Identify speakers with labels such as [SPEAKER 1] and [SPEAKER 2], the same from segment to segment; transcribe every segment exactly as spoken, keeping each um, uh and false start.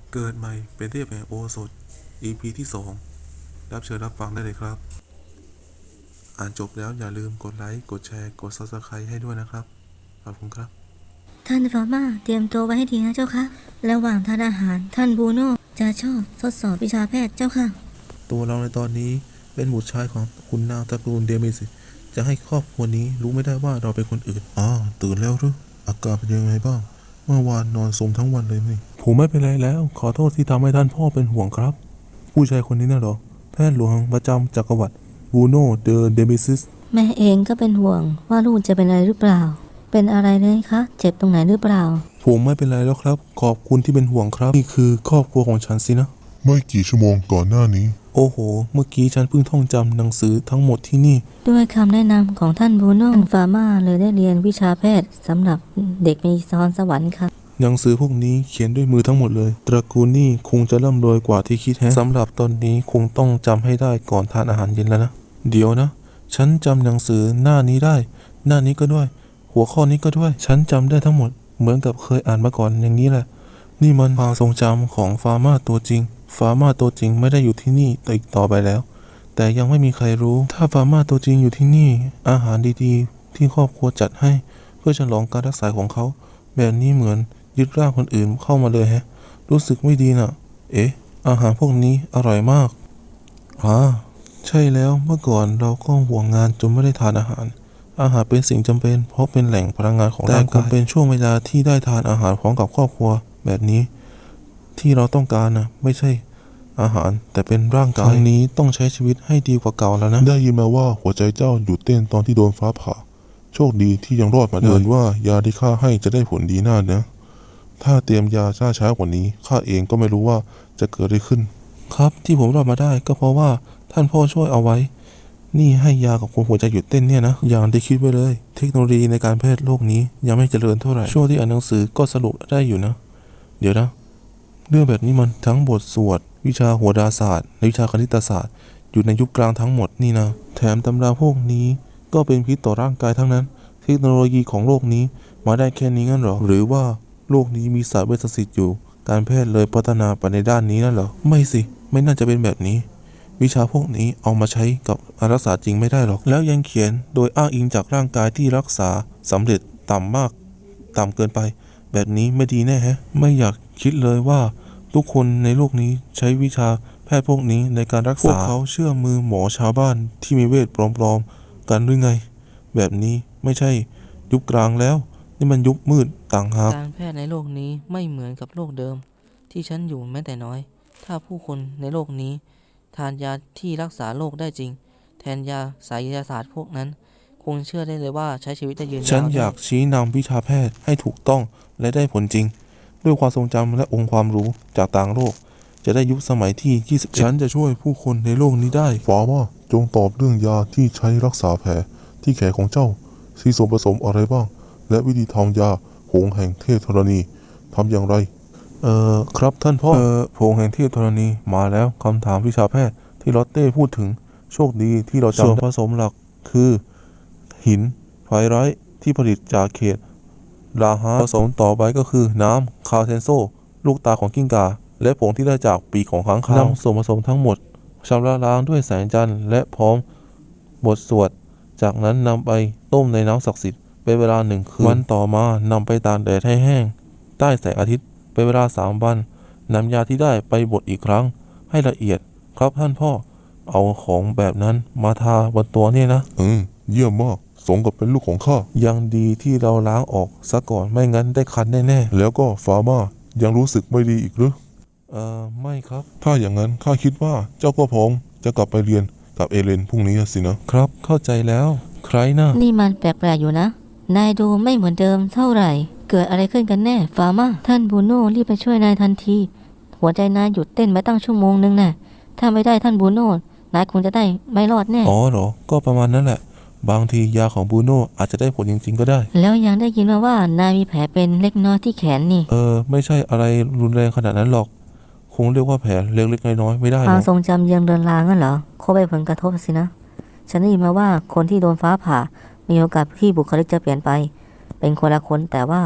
[SPEAKER 1] เกิดใหม่เป็นเทพแห่งโอสถ อี พี ที่สองรับเชิญรับฟังได้เลยครับอ่านจบแล้วอย่าลืมกดไลค์กดแชร์กด ซับสไครบ์ ให้ด้วยนะครับขอบคุณครับ
[SPEAKER 2] ท่านฟอร์มาเตรียมตัวไว้ให้ดีนะเจ้าค่ะระหว่างทานอาหารท่านบูโน่จะชอบทดสอบวิชาแพทย์เจ้าค่ะ
[SPEAKER 1] ตัวเราในตอนนี้เป็นบุตรชายของคุณนางตระกูลเดมิสจะให้ครอบครัวนี้รู้ไม่ได้ว่าเราเป็นคนอื่นอ๋อตื่นแล้วหรืออาการเป็นยังไงบ้างเมื่อวานนอนสมทั้งวันเลยนี่ผมไม่เป็นไรแล้วขอโทษที่ทำให้ท่านพ่อเป็นห่วงครับผู้ชายคนนี้น่ะเหรอแพทย์หลวงประจำจักรวรรดิบูโน่เดอเดมิซิส
[SPEAKER 2] แม่เองก็เป็นห่วงว่าลูกจะเป็นอะไรหรือเปล่าเป็นอะไรเลยคะเจ็บตรงไหนหรือเปล่า
[SPEAKER 1] ผมไม่เป็นไรแล้วครับขอบคุณที่เป็นห่วงครับนี่คือครอบครัวของฉันสินะ
[SPEAKER 3] ไม่กี่ชั่วโมงก่อนหน้านี้
[SPEAKER 1] โอ้โหเมื่อกี้ฉันเพิ่งท่องจำหนังสือทั้งหมดที่นี่
[SPEAKER 2] ด้วยคำแนะนำของท่านบูโน่ฟาร์มาเลยได้เรียนวิชาแพทย์สำหรับเด็กมีพรสวรรค์ค่ะ
[SPEAKER 1] หนังสือพวกนี้เขียนด้วยมือทั้งหมดเลยตระกูลนี่คงจะร่ำรวยกว่าที่คิดแฮะสำหรับตอนนี้คงต้องจำให้ได้ก่อนทานอาหารเย็นแล้วนะเดี๋ยวนะฉันจำหนังสือหน้านี้ได้หน้านี้ก็ด้วยหัวข้อนี้ก็ด้วยฉันจำได้ทั้งหมดเหมือนกับเคยอ่านมาก่อนอย่างนี้แหละนี่มันความทรงจำของฟาร์มาตัวจริงฟาร์มาตัวจริงไม่ได้อยู่ที่นี่อีกต่อไปแล้วแต่ยังไม่มีใครรู้ถ้าฟาร์มาตัวจริงอยู่ที่นี่อาหารดีๆที่ครอบครัวจัดให้เพื่อฉลองการรักษาของเขาแบบนี้เหมือนยึดร่างคนอื่นเข้ามาเลยแฮะรู้สึกไม่ดีน่ะเอ๊ะอาหารพวกนี้อร่อยมากอ่าใช่แล้วเมื่อก่อนเราก็ห่วงงานจนไม่ได้ทานอาหารอาหารเป็นสิ่งจำเป็นเพราะเป็นแหล่งพลังงานของร่างกายแต่คงเป็นช่วงเวลาที่ได้ทานอาหารพร้อมกับครอบครัวแบบนี้ที่เราต้องการนะไม่ใช่อาหารแต่เป็นร่างกายครั้งนี้ต้องใช้ชีวิตให้ดีกว่าเก่าแล้วนะ
[SPEAKER 3] ได้ยินมาว่าหัวใจเจ้าหยุดเต้นตอนที่โดนฟ้าผ่าโชคดีที่ยังรอดมาได้เหมือนว่ายาที่ข้าให้จะได้ผลดีน่านะถ้าเตรียมยาช้าช้ากว่านี้ข้าเองก็ไม่รู้ว่าจะเกิดอะไรขึ้น
[SPEAKER 1] ครับที่ผมรอดมาได้ก็เพราะว่าท่านพ่อช่วยเอาไว้นี่ให้ยากับคนหัวใจหยุดเต้นเนี่ยนะอย่างที่คิดไว้เลยเทคโนโลยีในการแพทย์โลกนี้ยังไม่เจริญเท่าไหร่ช่วงที่อ่านหนังสือก็สรุปได้อยู่นะเดี๋ยวนะเรื่องแบบนี้มันทั้งบทสวดวิชาโหราศาสตร์และวิชาคณิตศาสตร์อยู่ในยุคกลางทั้งหมดนี่นะแถมตำราพวกนี้ก็เป็นพิษต่อร่างกายทั้งนั้นเทคโนโลยีของโลกนี้มาได้แค่นี้งั้นหรอหรือว่าโลกนี้มีศาสตร์เวชศิลป์อยู่การแพทย์เลยพัฒนาไปในด้านนี้นั่นเหรอไม่สิไม่น่าจะเป็นแบบนี้วิชาพวกนี้เอามาใช้กับการรักษาจริงไม่ได้หรอกแล้วยังเขียนโดยอ้างอิงจากร่างกายที่รักษาสำเร็จต่ำมากต่ำเกินไปแบบนี้ไม่ดีแน่แฮะไม่อยากคิดเลยว่าทุกคนในโลกนี้ใช้วิชาแพทย์พวกนี้ในการรักษาพวกเขาเชื่อมือหมอชาวบ้านที่มีเวทปลอมๆกันหรือไงแบบนี้ไม่ใช่ยุคกลางแล้วนี่มันยุคมืดต่างหาก
[SPEAKER 4] การแพทย์ในโลกนี้ไม่เหมือนกับโลกเดิมที่ฉันอยู่แม้แต่น้อยถ้าผู้คนในโลกนี้ทานยาที่รักษาโรคได้จริงแทนยาไสยศาสตร์พวกนั้นคงเชื่อได้เลยว่าใช้ชีวิตได้ยืนยาว
[SPEAKER 1] ฉันอยากชี้นำวิชาแพทย์ให้ถูกต้องและได้ผลจริงด้วยความทรงจำและองค์ความรู้จากต่างโลกจะได้ยุคสมัยที่ยี่สิบเอ็ดฉันจะช่วยผู้คนในโลกนี้ได้
[SPEAKER 3] ฟ้าว่าจงตอบเรื่องยาที่ใช้รักษาแผลที่แขนของเจ้ามีส่วนผสมอะไรบ้างและวิธีทำยาผงแห่งเทพธรณีทำอย่างไร
[SPEAKER 1] เอ่อครับท่านพ่อเอ่อผงแห่งเทพธรณีมาแล้วคำถามวิชาแพทย์ที่ลอตเต้พูดถึงโชคดีที่เราจำส่วนผสมหลักคือหินไฟไร้ที่ผลิตจากเขตลาฮาผสมต่อไปก็คือน้ำคาเซนโซลูกตาของกิ้งก่าและผงที่ได้จากปีกของค้างคาวนำส่วนผสมทั้งหมดชำระล้างด้วยแสงจันทร์และพร้อมบทสวดจากนั้นนำไปต้มในน้ำศักดิ์สิทธิ์เป็นเวลาหนึ่งคืนวันต่อมานำไปตากแดดให้แห้งใต้แสงอาทิตย์เป็นเวลาสามวันนำยาที่ได้ไปบดอีกครั้งให้ละเอียดครับท่านพ่อเอาของแบบนั้นมาทาบนตัวเนี่ยนะ
[SPEAKER 3] อืมเยี่ยมมากสมกับเป็นลูกของข้า
[SPEAKER 1] ยังดีที่เราล้างออกซะก่อนไม่งั้นได้คันแน่
[SPEAKER 3] ๆแล้วก็ฟาร์มายังรู้สึกไม่ดีอีกหรือ
[SPEAKER 1] เอ่อไม่ครับ
[SPEAKER 3] ถ้าอย่างนั้นข้าคิดว่าเจ้าก็พร้อมจะกลับไปเรียนกับเอเลนพรุ่งนี้สินะครับ
[SPEAKER 1] เข้าใจแล้วใครนะ
[SPEAKER 2] นี่มันแปลกๆอยู่นะนายดูไม่เหมือนเดิมเท่าไหร่เกิดอะไรขึ้นกันแน่ฟาร์มาท่านบูโน่รีบไปช่วยนายทันทีหัวใจนายหยุดเต้นมาตั้งชั่วโมงนึงน่ะถ้าไม่ได้ท่านบูโน่นายคงจะได้ไม่รอดแน่
[SPEAKER 1] อ๋อเหรอก็ประมาณนั้นแหละบางทียาของบูโน่อาจจะได้ผลจริงๆก็ได้
[SPEAKER 2] แล้วยังได้ยินมาว่านายมีแผลเป็นเล็กน้อยที่แขนนี่
[SPEAKER 1] เออไม่ใช่อะไรรุนแรงขนาดนั้นหรอกคงเรียกว่าแผลเล็กๆน้อยๆไม่ได้
[SPEAKER 2] ความทรงจำยังเลือนลางงั้นเหรอคงไปผลกระทบสินะฉันได้ยินมาว่าคนที่โดนฟ้าผ่ามีโอกาสที่บุคลิกจะเปลี่ยนไปเป็นคนละคนแต่ว่า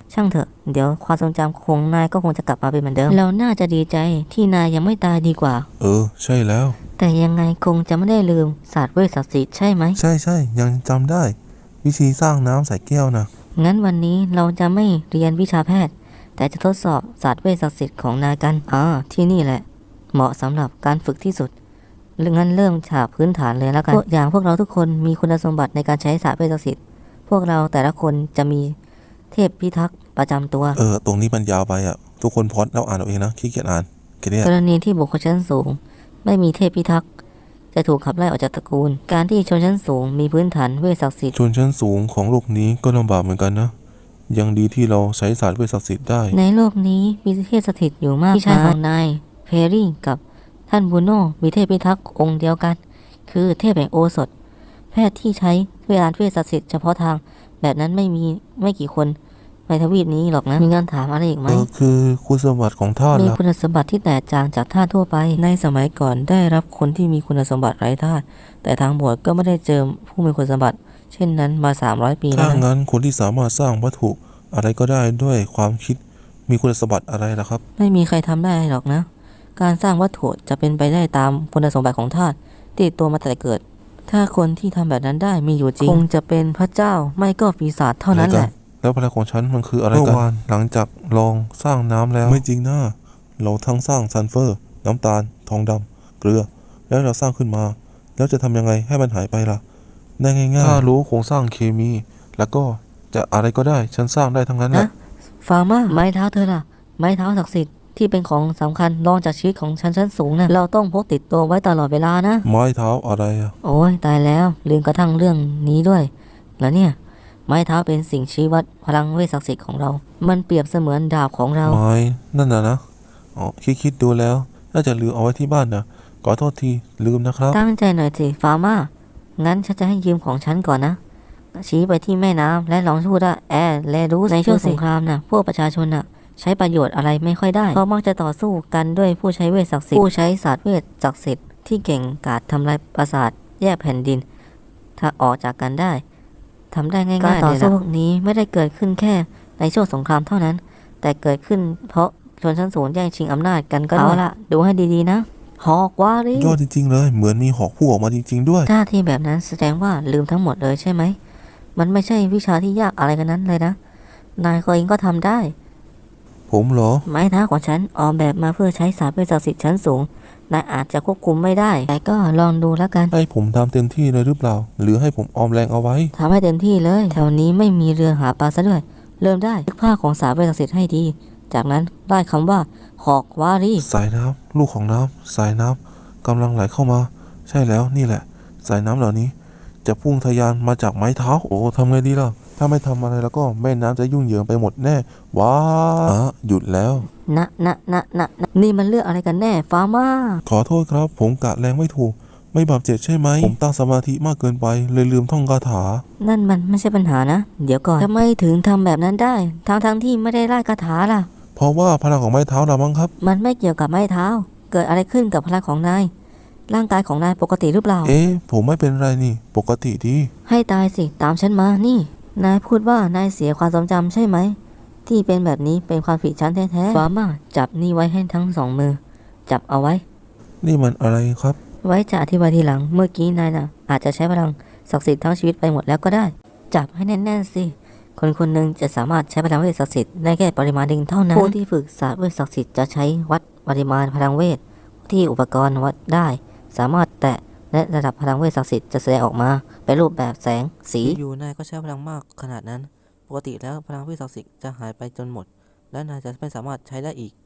[SPEAKER 2] ช่างเถอะเดี๋ยวความทรงจำของนายก็คงจะกลับมาเป็นเหมือนเดิมเราน่าจะดีใจที่นายยังไม่ตายดีกว่า
[SPEAKER 1] เออ ใช่แล้ว
[SPEAKER 2] แต่ยังไงคงจะไม่ได้ลืมศาสตร์เวชศักดิ์สิทธิ์ใช่ไหม
[SPEAKER 1] ใช่ใช่ยังจำได้ วิธีสร้างน้ำใส่แก้วนะ
[SPEAKER 2] งั้นวันนี้เราจะไม่เรียนวิชาแพทย์ แต่จะทดสอบศาสตร์เวชศักดิ์สิทธิ์ของนายกันอ่าที่นี่แหละ เหมาะสำหรับการฝึกที่สุดงั้นเริ่มฉากพื้นฐานเลยแล้วกันพวกอย่างพวกเราทุกคนมีคุณสมบัติในการใช้ศาสตร์เวชศักดิ์สิทธิ์พวกเราแต่ละคนจะมีเทพพิทักษ์ประจำตัว
[SPEAKER 1] เออ ตรงนี้มันยาวไปอ่ะ ทุกคนพอดแล้วอ่านเอาเองนะขี้เกียจอ่านแค่เนี้ย
[SPEAKER 2] กรณีที่บุคคลชั้นสูง ไม่มีเทพพิทักษ์จะถูกขับไล่ออกจากตระกูล การที่ชนชั้นสูงมีพื้นฐานเวชศักดิ์สิทธิ์
[SPEAKER 1] ชนชั้นสูงของโลกนี้ก็ลำบากเหมือนกันนะ ยังดีที่เราใช้ศาสตร์เวชศักดิ์สิทธิ์ได้
[SPEAKER 2] ในโลกนี้มีเทพสถิตอยู่มากพี่ชายของนายเพรรี่กับท่านบูโน่มีเทพพิทักษ์องค์เดียวกัน คือเทพแห่งโอสถ แพทย์ที่ใช้เวลาเวชศักดิ์สิทธิ์เฉพาะทาง แบบนั้นไม่มีไม่กี่คนในทวีปนี้หรอกนะ มีงานถามอะไรอีกไหม
[SPEAKER 1] เออ คือคุณสมบัติของท่าน
[SPEAKER 2] มี
[SPEAKER 1] ล่ะ
[SPEAKER 2] คุณสมบัติที่แตกต่างจากท่าสทั่วไป
[SPEAKER 4] ในสมัยก่อนได้รับคนที่มีคุณสมบัติไร้ธาตุแต่ทางบวชก็ไม่ได้เจอผู้มีคุณสมบัติ เช่นนั้นมาสามร้อยปีแล้
[SPEAKER 1] ถ้าว
[SPEAKER 4] นะ
[SPEAKER 1] งั้นคนที่สามารถสร้างวัตถุอะไรก็ได้ด้วยความคิดมีคุณสมบัติอะไรล่ะครับ
[SPEAKER 4] ไม่มีใครทำได้หรอกนะ การสร้างวัตถุจะเป็นไปได้ตามคุณสมบัติของธาตุที่ติดตัวมาแต่เกิด ถ้าคนที่ทำแบบนั้นได้มีอยู่จริง คงจะเป็นพระเจ้าไม่ก็ปีศาจเท่านั้นแหละ
[SPEAKER 1] แล้วพลังของฉันมันคืออะไรกันเมื่อวานหลังจากลองสร้างน้ำแล้ว ไม่จริงนะเราทั้งสร้างซัลเฟอร์ น้ำตาล ทองดำเกลือ แล้วเราสร้างขึ้นมา แล้วจะทำยังไงให้มันหายไปล่ะได้ง่ายๆถ้ารู้โครงสร้างเคมี แล้วก็จะอะไรก็ได้ฉันสร้างได้ทั้งนั้นแหละ
[SPEAKER 2] นะฟาร์มาไม้เท้าเธอล่ะ ไม้เท้าศักดิ์สิทธิ์ที่เป็นของสำคัญรองจากชีวิตของชั้นชั้นสูงนะเราต้องพกติดตัวไว้ตลอดเวลานะ
[SPEAKER 1] ไม้เท้าอะไรอะ
[SPEAKER 2] โอ้ยตายแล้วลืมกระทั่งเรื่องนี้ด้วย แล้วเนี่ย ไม้เท้าเป็นสิ่งชี้วัดพลังเวชศักดิ์สิทธิ์ของเรา มันเปรียบเสมือนดาบของเรา
[SPEAKER 1] ไม้นั่นน่ะนะอ๋อคิดคิดดูแล้วน่าจะลืมเอาไว้ที่บ้านนะขอโทษทีลืมนะครับ
[SPEAKER 2] ตั้งใจหน่อยสิฟาร์มางั้นฉันจะให้ยืมของฉันก่อนนะ ชี้ไปที่แม่น้ำและลองพูดว่าแอร์แลรู้ในช่วงสงครามนะพวกประชาชนน่ะใช้ประโยชน์อะไรไม่ค่อยได้เพราะมักจะต่อสู้กันด้วยผู้ใช้เวทศักดิ์สิทธิ์ผู้ใช้ศาสตร์เวทศักดิ์สิทธิ์ที่เก่งกาจทำลายปราสาทแยกแผ่นดิน ถ้าออกจากกันได้ทำได้ง่ายๆการต่อสู้พวกนี้ไม่ได้เกิดขึ้นแค่ในช่วงสงครามเท่านั้น แต่เกิดขึ้นเพราะชนชั้นสูงแย่งชิงอำนาจกันก็เอาละดูให้ดีๆนะหอกวารี
[SPEAKER 1] ยอดจริงๆเลยเหมือนมีหอกพุ่งออกมาจริง ๆ ด้วย
[SPEAKER 2] ท่าทีแบบนั้นแสดงว่าลืมทั้งหมดเลยใช่ไหมมันไม่ใช่วิชาที่ยากอะไรกันนั้นเลยนะนายก็เองก็ทำได้
[SPEAKER 1] ผมเหรอ
[SPEAKER 2] ไม้เท้าของฉันออกแบบมาเพื่อใช้ศาสตร์เวชศักดิ์สิทธิ์ชั้นสูงนายอาจจะควบคุมไม่ได้ แต่ก็ลองดูแล้วกัน
[SPEAKER 1] ให้ผมทำเต็มที่เลยหรือเปล่า หรือให้ผมออมแรงเอาไว้
[SPEAKER 2] ทำให้เต็มที่เลยแถวนี้ไม่มีเรือหาปลาซะด้วยเริ่มได้นึกภาพของศาสตร์เวชศักดิ์สิทธิ์ให้ดี จากนั้นได้คำว่าหอกวารี
[SPEAKER 1] สายน้ำลูกของน้ำสายน้ำกำลังไหลเข้ามา ใช่แล้วนี่แหละ สายน้ำเหล่านี้ จะพุ่งทะยานมาจากไม้เท้า โอ้ทำไงดีล่ะ ถ้าไม่ทำอะไรแล้วก็แม่น้ำจะยุ่งเหยิงไปหมดแน่ว้าอ่ะหยุดแล้ว
[SPEAKER 2] นะนะนะนะนะนี่มันเรื่องอะไรกันแน่ฟาร์มา
[SPEAKER 1] ขอโทษครับ ผมกะแรงไม่ถูก ไม่บาดเจ็บใช่ไหม ผมตั้งสมาธิมากเกินไป เลยลืมท่องคาถา
[SPEAKER 2] นั่นมันไม่ใช่ปัญหานะ เดี๋ยวก่อนทำไมถึงทำแบบนั้นได้ทั้งทั้งๆที่ไม่ได้ไล่คาถาล่ะ
[SPEAKER 1] เพราะว่าพลังของไม้เท้าเรามั้งครับ
[SPEAKER 2] มันไม่เกี่ยวกับไม้เท้า เกิดอะไรขึ้นกับพลังของนาย ร่างกายของนายปกติหรือเปล่า
[SPEAKER 1] เอ๊ะผมไม่เป็นไรนี่ ปกติดี
[SPEAKER 2] ให้ตายสิ ตามฉันมา นี่ นายพูดว่านายเสียความทรงจำใช่ไหม ที่เป็นแบบนี้เป็นความผิดฉันแท้ๆฟาร์มาจับนี่ไว้ให้ทั้งสองมือ จับเอาไว้
[SPEAKER 1] นี่มันอะไรครับ
[SPEAKER 2] ไว้จะอธิบายทีหลัง เมื่อกี้นายน่ะ อาจจะใช้พลังศักดิ์สิทธิ์ทั้งชีวิตไปหมดแล้วก็ได้ จับให้แน่นๆสิ คนคนหนึ่งจะสามารถใช้พลังเวทศักดิ์สิทธิ์ได้แค่ปริมาณหนึ่งเท่านั้น ผู้ที่ฝึกศาสตร์เวทศักดิ์สิทธิ์จะใช้วัดปริมาณพลังเวทที่อุปกรณ์วัดได้ สามารถแตะและระดับพลังเวทศักดิ์สิทธิ์จะแสดงออกมาเป็นรูปแบบแสง สี
[SPEAKER 4] อยู่ๆนายก็ใช้พลังมากขนาดนั้น ปกติแล้วพลังเวทศักดิ์สิทธิ์จะหายไปจนหมด และนายจะไม่สามารถใช้ได้อีก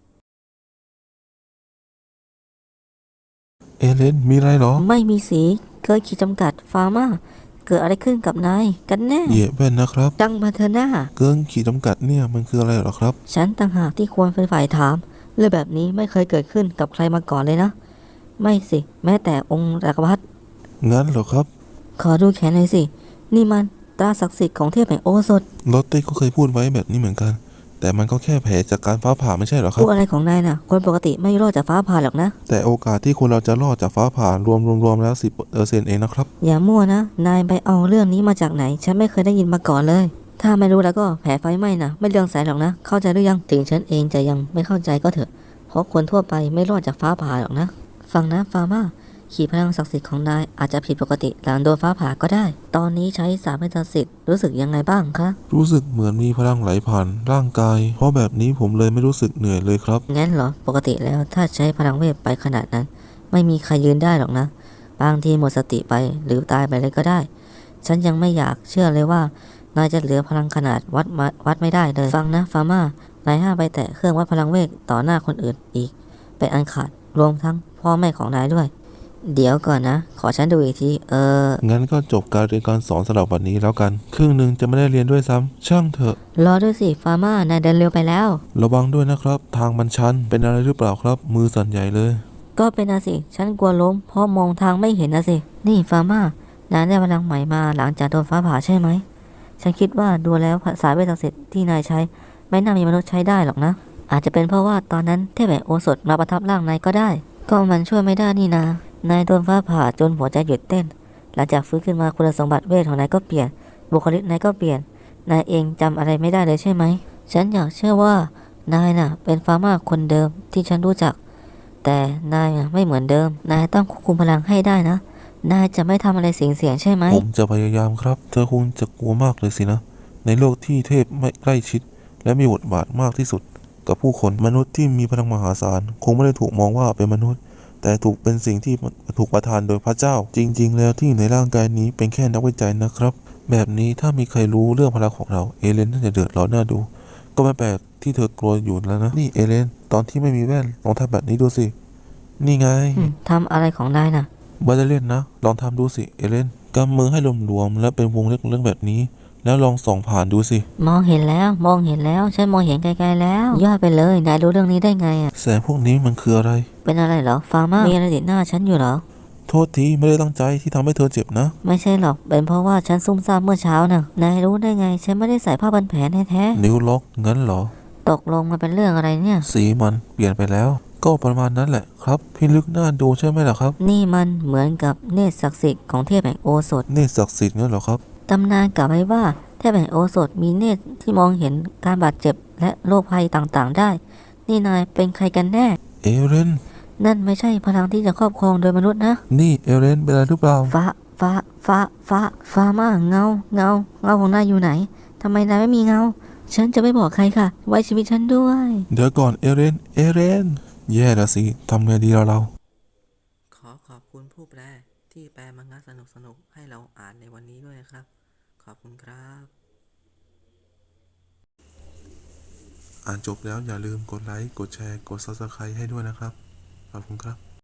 [SPEAKER 1] เอเลนมีอะไรเหรอ
[SPEAKER 2] ไม่มีสีเกินขีดจำกัดฟาร์มาเกิดอะไรขึ้นกับนายกันแน่
[SPEAKER 1] เหยียบแว่นนะครับ
[SPEAKER 2] จังมาเธอหน้า
[SPEAKER 1] เกินขีดจำกัดเนี่ยมันคืออะไรเหรอครับ
[SPEAKER 2] ฉันต่างหากที่ควรเป็นฝ่ายถามเรื่องแบบนี้ไม่เคยเกิดขึ้นกับใครมาก่อนเลยนะ ไม่สิ แม้แต่องค์จักรพรรดิ
[SPEAKER 1] งั้นเหรอครับ
[SPEAKER 2] ขอดูแขนหน่อยสิ นี่มันตราศักดิ์สิทธิ์ของเทพแห่งโอสถ
[SPEAKER 1] ลอตเต้ก็เคยพูดไว้แบบนี้เหมือนกัน แต่มันก็แค่แผลจากการฟ้าผ่าไม่ใช่เหรอครั
[SPEAKER 2] พู
[SPEAKER 1] บ
[SPEAKER 2] ดอะไรของนายน่ะ คนปกติไม่รอดจากฟ้าผ่าหรอกนะ
[SPEAKER 1] แต่โอกาสที่คนเราจะรอดจากฟ้าผ่ารวมรวมรวมแล้วสิบเปอร์เซ็นต์เองนะครับ
[SPEAKER 2] อย่ามั่วนะ นายไปเอาเรื่องนี้มาจากไหน ฉันไม่เคยได้ยินมาก่อนเลยถ้าไม่รู้แล้วก็แผลไฟไหม้นะไม่เรื่องแสนหรอกนะเข้าใจหรือยังถึงฉันเองจะยังไม่เข้าใจก็เถอะเพราะคนทั่วไปไม่รอดจากฟ้าผ่าหรอกนะฟังนะฟาร์มาขีดพลังศักดิ์สิทธิ์ของนายอาจจะผิดปกติหลังโดนฟ้าผ่าก็ได้ตอนนี้ใช้สามเวทศักดิ์สิทธิ์รู้สึกยังไงบ้างคะ
[SPEAKER 1] รู้สึกเหมือนมีพลังไหลผ่านร่างกาย เพราะแบบนี้ผมเลยไม่รู้สึกเหนื่อยเลยครับ
[SPEAKER 2] งั้นเหรอปกติแล้วถ้าใช้พลังเวทไปขนาดนั้น ไม่มีใครยืนได้หรอกนะบางทีหมดสติไปหรือตายไปเลยก็ได้ ฉันยังไม่อยากเชื่อเลยว่านายจะเหลือพลังขนาดวัดมาวัดไม่ได้เลยฟังนะฟาร์มานายห้ามไปแตะเครื่องวัดพลังเวทต่อหน้าคนอื่นอีกเป็นอันขาดรวมทั้งพ่อแม่ของนายด้วย เดี๋ยวก่อนนะ ขอฉันดูอีกทีเออ
[SPEAKER 1] งั้นก็จบการเรียนการสอนสำหรับวันนี้แล้วกัน ครึ่งหนึ่งจะไม่ได้เรียนด้วยซ้ำช่างเถอะ
[SPEAKER 2] รอด้วยสิฟาร์มานายเดินเร็วไปแล้ว
[SPEAKER 1] ระวังด้วยนะครับ ทางมันชันเป็นอะไรหรือเปล่าครับ มือสั่นใหญ่เลย
[SPEAKER 2] ก็เป็นนะสิ ฉันกลัวล้มเพราะมองทางไม่เห็นนะสิ นี่ฟาร์มานายได้พลังใหม่มาหลังจากโดนฟ้าผ่าใช่ไหม ฉันคิดว่าดูแล้วสายเวทศักดิ์สิทธิ์ที่นายใช้ ไม่น่ามีมนุษย์ใช้ได้หรอกนะ อาจจะเป็นเพราะว่าตอนนั้นเทพแห่งโอสถมาประทับร่างนายก็ได้ ก็มันช่วยไม่ได้นี่นา นายโดนฟ้าผ่าจนหัวใจหยุดเต้น หลังจากฟื้นขึ้นมาคุณสมบัติเวทของนายก็เปลี่ยน บุคลิกนายก็เปลี่ยน นายเองจำอะไรไม่ได้เลยใช่ไหม ฉันอยากเชื่อว่านายน่ะ เป็นฟาร์มาคนเดิมที่ฉันรู้จัก แต่นายอะไม่เหมือนเดิม นายต้องควบคุมพลังให้ได้นะ นายจะไม่ทำอะไรเสี่ยงๆใช่ไหม
[SPEAKER 1] ผมจะพยายามครับ เธอคงจะกลัวมากเลยสินะ ในโลกที่เทพไม่ใกล้ชิด และมีบทบาทมากที่สุด กับผู้คนมนุษย์ที่มีพลังมหาศาล คงไม่ได้ถูกมองว่าเป็นมนุษย์ แต่ถูกเป็นสิ่งที่ถูกประทานโดยพระเจ้า จริง ๆ แล้วที่ในร่างกายนี้เป็นแค่นักวิจัยนะครับ แบบนี้ถ้ามีใครรู้เรื่องพลังของเราเอเลนน่าจะเดือดร้อนน่าดู ก็ไม่แปลกที่เธอกลัวอยู่แล้วนะ นี่เอเลนตอนที่ไม่มีแว่นลองทำแบบนี้ดูสิ นี่ไง
[SPEAKER 2] อืมทำอะไรของนายน่ะ
[SPEAKER 1] บาจะเล่นนะ ลองทำดูสิ เอเลนกำมือให้รวมๆและเป็นวงเล็กๆแบบนี้ แล้วลองส่องผ่านดูสิ
[SPEAKER 2] มองเห็นแล้ว มองเห็นแล้ว ฉันมองเห็นไกลๆแล้ว ยอดไปเลย นายรู้เรื่องนี้ได้ไงอ่ะ
[SPEAKER 1] แสงพวกนี้มันคืออะไร
[SPEAKER 2] เป็นอะไรเหรอ ฟาร์มามีอะไรติดหน้าฉันอยู่เหรอ
[SPEAKER 1] โทษทีไม่ได้ตั้งใจที่ทำให้เธอเจ็บนะ
[SPEAKER 2] ไม่ใช่หรอก เป็นเพราะว่าฉันซุ่มซ่ามเมื่อเช้าน่ะ นายรู้ได้ไง ฉันไม่ได้ใส่ผ้าพันแผลแท้
[SPEAKER 1] นิ้วล็อกงั้นเหรอ
[SPEAKER 2] ๆตกลงมันเป็นเรื่องอะไรเนี่ย
[SPEAKER 1] สีมันเปลี่ยนไปแล้ว ก็ประมาณนั้นแหละครับ พี่ลึกหน้าดูใช่ไหมล่ะครับ
[SPEAKER 2] นี่มันเหมือนกับเนตรศักดิ์สิทธิ์ของเทพแห่งโอสถ
[SPEAKER 1] เนตรศักดิ์สิทธิ์งั้นเหรอครับ
[SPEAKER 2] ตำนานกล่าวไว้ว่าเทพแห่งโอสถมีเนตรที่มองเห็นการบาดเจ็บและโรคภัยต่างๆได้ นี่นายเป็นใครกันแน่
[SPEAKER 1] เอเรน
[SPEAKER 2] นั่นไม่ใช่พลังที่จะครอบครองโดยมนุษย์นะ
[SPEAKER 1] นี่เอเรนเป็นอะไรหรือเปล่า
[SPEAKER 2] ฟ้า ฟ้า ฟ้า ฟ้า ฟ้ามาเงา เงา เงาของนายอยู่ไหน ทำไมนายไม่มีเงา ฉันจะไม่บอกใครค่ะ ไว้ชีวิตฉันด้วย
[SPEAKER 1] เดี๋ยวก่อนเอเรน เอเรน แย่ละสิทำไงดีเราเรา
[SPEAKER 4] ขอขอบคุณผู้แปลที่แปลมังงะสนุกๆให้เราอ่านในวันนี้ด้วยนะครับ ขอบคุณครับ
[SPEAKER 1] อ่านจบแล้วอย่าลืมกดไลค์ กดแชร์ กด ซับสไครบ์ ให้ด้วยนะครับ ขอบคุณครับ